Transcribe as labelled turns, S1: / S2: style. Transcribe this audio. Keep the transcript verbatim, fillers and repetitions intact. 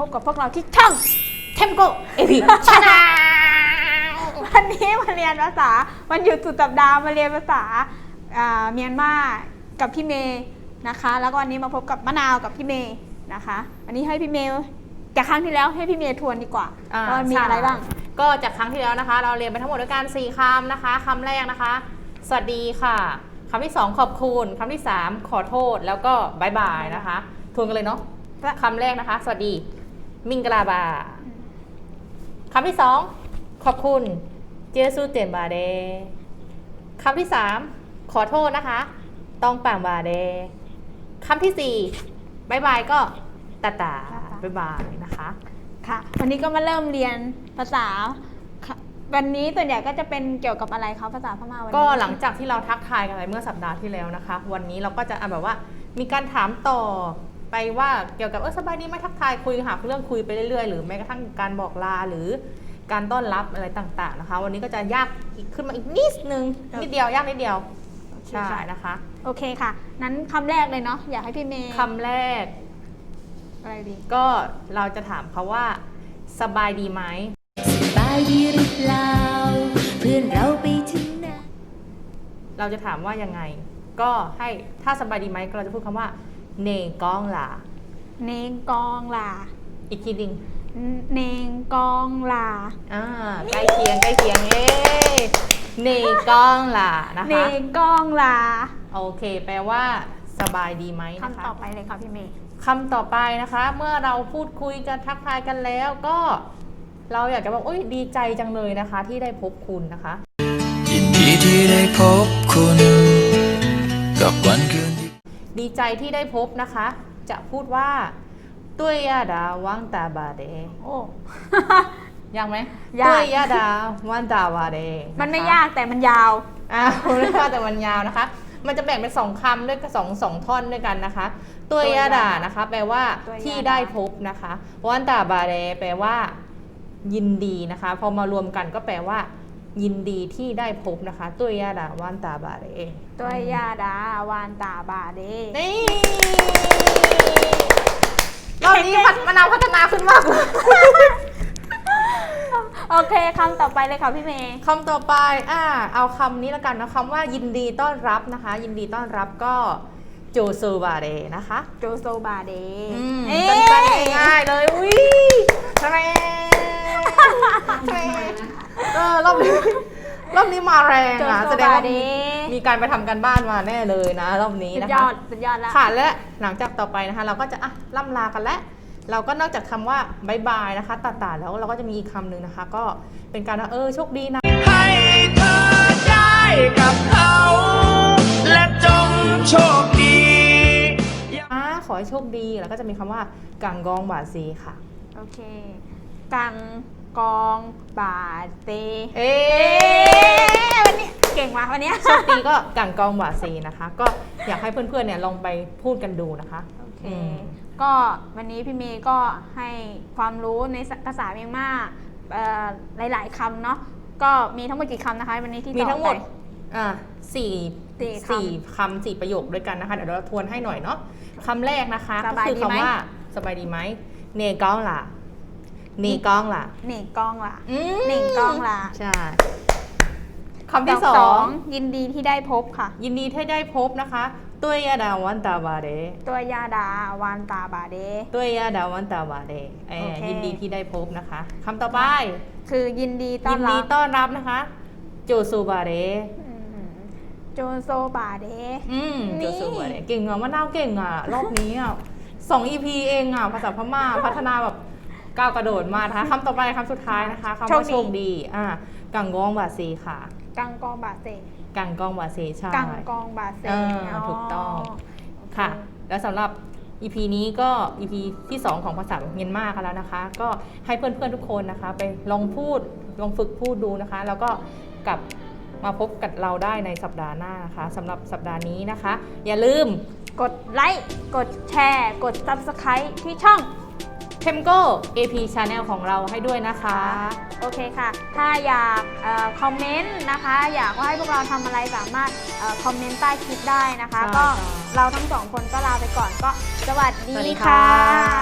S1: บกับพวกเราที่ช่องเทมโกเอพีชาแนลวันนี้มาเรียนภาษาวันหยุดสุดสัปดาห์มาเรียนภาษาเมียนมากับพี่เมย์นะคะแล้วก็วันนี้มาพบกับมะนาวกับพี่เมย์นะคะวันนี้ให้พี่เมย์จากครั้งที่แล้วให้พี่เมย์ทวนดีกว่าว่ามีอะไรบ้าง
S2: ก็จากครั้งที่แล้วนะคะเราเรียนไปทั้งหมดด้วยกันสี่คำนะคะคำแรกนะคะสวัสดีค่ะคำที่สองขอบคุณคำที่สามขอโทษแล้วก็บายบายนะคะทวนกันเลยเนาะคำแรกนะคะสวัสดีมิงกลาบาคำที่สองขอบคุณเจสูเตียนบาเดคำที่สามขอโทษนะคะต้องป่างบาเดคำที่สี่บายบายก็ตาตาบายบายนะคะ
S1: ค่ะวันนี้ก็มาเริ่มเรียนภาษาวันนี้ส่วนใหญ่ก็จะเป็นเกี่ยวกับอะไรคะภาษาพม่าวันนี้
S2: ก็หลังจากที่เราทักทายกันไปเมื่อสัปดาห์ที่แล้วนะคะวันนี้เราก็จะแบบว่ามีการถามต่อไปว่าเกี่ยวกับเออสบายดีไหมทักทายคุยหาเรื่องคุยไปเรื่อยๆหรือแม้กระทั่งการบอกลาหรือการต้อนรับอะไรต่างๆนะคะวันนี้ก็จะยากขึ้นมาอีกนิดนึงนิดเดียวยากนิดเดียวใช่นะคะ
S1: โอเคค่ะนั้นคำแรกเลยเนาะอยากให้พี่เมย์
S2: คำแรก
S1: อะไรดี
S2: ก็เราจะถามเขาว่าสบายดีไหม
S3: สบายดีหรือเปล่าเพื่อนเราไปถึงไหน
S2: เราจะถามว่ายังไงก็ให้ถ้าสบายดีไหมเราจะพูดคำว่าเนกองลา
S1: เนกองลา
S2: อีกทีนึง
S1: เนกองลา
S2: อ่าใกล้เคียงใกล้เคียงเอ๊เนกองลานะคะ
S1: เนกองลา
S2: โอเคแปลว่าสบายดีไหมนะคะ
S1: คำต่อไปเลยค่ะพี่เมย์
S2: คำต่อไปนะคะเมื่อเราพูดคุยกันทักทายกันแล้วก็เราอยากจะบอกโอ้ยดีใจจังเลยนะคะที่ได้พบคุณนะคะ
S3: ยินดีที่ได้พบคุณกับวันคืนที่
S2: ดีใจที่ได้พบนะคะจะพูดว่าตุ้ยยาดาวังตาบาเด
S1: โอ้
S2: ยากไหมตุ้ยยาดาวังตาบาเด
S1: มันไม่ยากแต่มันยาว
S2: อ้าวไม่ยากแต่มันยาวนะคะมันจะแบ่งเป็นสองคำด้วยสองสองท่อนด้วยกันนะคะตัวยาดานะคะแปลว่าที่ได้พบนะคะวันตาบาเรแปลว่ายินดีนะคะพอมารวมกันก็แปลว่ายินดีที่ได้พบนะคะตัวยาดาวันตาบาเร
S1: ตัวยาดาวันตาบาเร
S2: นี่รอบนี้มะนาวพัฒนาขึ้นมากเลย
S1: โอเคคำต่อไปเลยค่ะพี่เมย์
S2: คำต่อไปอ่าเอาคำนี้แล้วกันนะคำว่ายินดีต้อนรับนะคะยินดีต้อนรับก็โจโซบาเดนะคะ
S1: โจโซบาเด
S2: สั้นๆง่ายๆเลยอุ้ยทำไมเออรอบนี้รอบนี้มาแรงอ่ะแสดงว่ามีการไปทำกันบ้านมาแน่เลยนะรอบนี้นะคะ
S1: สุดยอดสุดยอดแล้ว
S2: ค่ะและหลังจากต่อไปนะคะเราก็จะอ่ะล่ำลากันแล้วเราก็นอกจากคำว่าบายบายนะคะตัดๆแล้วเราก็จะมีอีกคำหนึ่งนะคะก็เป็นการว่าเออโชคดีนะ
S3: ให้เธอได้กับเขาและจงโชคดี
S2: ขอให้โชคดีแล้วก็จะมีคำว่ากังกองบาซีค่ะ
S1: โอเคกังกองบาเต
S2: เอ๊
S1: วันนี้เก่งมากวันนี้
S2: โชคดีก็กังกองบาซีนะคะก็อยากให้เพื่อนๆเนี่ยลองไปพูดกันดูนะคะ
S1: โอเคก็วันนี้พี่เมย์ก็ให้ความรู้ในภาษาเมียนมาหลายๆคำเนาะก็มีทั้งหมดกี่คำนะคะวันนี้ที่
S2: มีทั้งหมดอ่าสี่สี่คำสี่ประโยคด้วยกันนะคะเดี๋ยวเราทวนให้หน่อยเนาะคำแรกนะคะก็คือคำว่าสบายดีไหมเนกองล่ะเนกองล่ะ
S1: เนกองล่ะเนกองล่ะ
S2: ใช่คำที่สอง
S1: ยินดีที่ได้พบค่ะ
S2: ยินดีที่ได้พบนะคะตัวยาดาวันตาบาเด
S1: ตัวยาดาวันตาบาเด
S2: ตัวยาดาวันตาบาเดยินดีที่ได้พบนะคะคำต่อไป
S1: คือยินดีต้อนรับ
S2: ยินดีต้อนรับนะคะโจซูบาเด
S1: โจโซบาเด
S2: อืมโจโซบาเดเก่งอ่ะมะนาวเก่งอ่ะรอบนี้อ่ะสอง อี พี เองอ่ะภาษาพม่าพัฒนาแบบก้าวกระโดดมานะคะคำต่อไปคำสุดท้ายนะคะคำว่าโชคดีอ่ะกังกองบาซีค่ะ
S1: กังกองบาเซ
S2: กังกองบาเซใช่
S1: กังกองบาเซ
S2: ถูกต้องค่ะแล้วสำหรับ อี พี นี้ก็ อี พี ที่สองของภาษาเมียนมากันแล้วนะคะก็ให้เพื่อนๆทุกคนนะคะไปลองพูดลองฝึกพูดดูนะคะแล้วก็กลับมาพบกับเราได้ในสัปดาห์หน้านะคะสำหรับสัปดาห์นี้นะคะอย่าลืม
S1: กดไลค์กดแชร์กด ซับสไครบ์ ที่ช่อง
S2: เทมโก เอ พี Channel ของเราให้ด้วยนะคะ
S1: โอเคค่ะถ้าอยากคอมเมนต์นะคะอยากว่าให้พวกเราทำอะไรสามารถคอมเมนต์ใต้คลิปได้นะคะก็เราทั้งสองคนก็ลาไปก่อนก็สวัสดีค่ะ